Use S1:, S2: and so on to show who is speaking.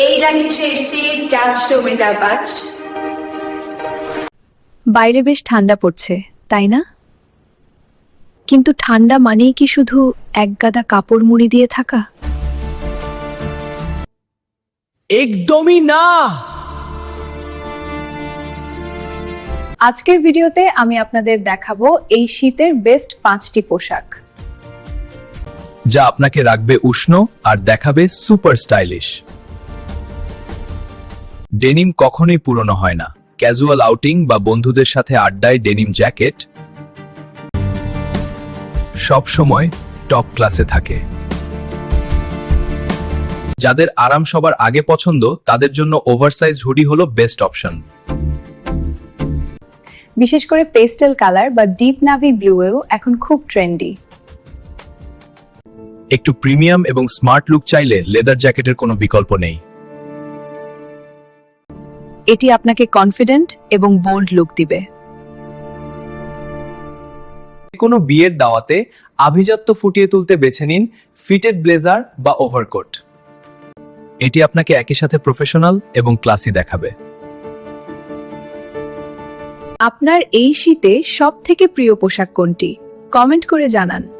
S1: এইটা নিচ্ছে still touch tomato বাচ।
S2: বাইরে বেশ ঠান্ডা পড়ছে, তাই না? কিন্তু ঠান্ডা মানেই কি শুধু একগাদা কাপড় মুড়ি দিয়ে থাকা?
S3: একদমই না।
S2: আজকের ভিডিওতে আমি আপনাদের দেখাবো এই শীতের বেস্ট 5টি পোশাক,
S3: যা আপনাকে রাখবে উষ্ণ আর দেখাবে সুপার স্টাইলিশ। ডেনিম কখনোই পুরনো হয় না। ক্যাজুয়াল আউটিং বা বন্ধুদের সাথে আড্ডায় ডেনিম জ্যাকেট সব সময় টপ ক্লাসে থাকে। যাদের আরাম সবার আগে পছন্দ তাদের জন্য ওভারসাইজ হুডি হলো বেস্ট অপশন।
S2: বিশেষ করে পেস্টেল কালার বা ডিপ নাভি ব্লুয়েও এখন খুব ট্রেন্ডি।
S3: একটু প্রিমিয়াম এবং স্মার্ট লুক চাইলে লেদার জ্যাকেটের কোনো বিকল্প নেই।
S2: এটি আপনাকে কনফিডেন্ট এবং বোল্ড লুক দিবে।
S3: কোনো বিয়ের দাওয়াতে আভিজাত্য ফুটিয়ে তুলতে বেছে নিন ফিটেড ব্লেজার বা ওভারকোট। এটি আপনাকে একই সাথে প্রফেশনাল এবং ক্লাসি দেখাবে।
S2: আপনার এই শীতে সবথেকে প্রিয় পোশাক কোনটি? কমেন্ট করে জানান।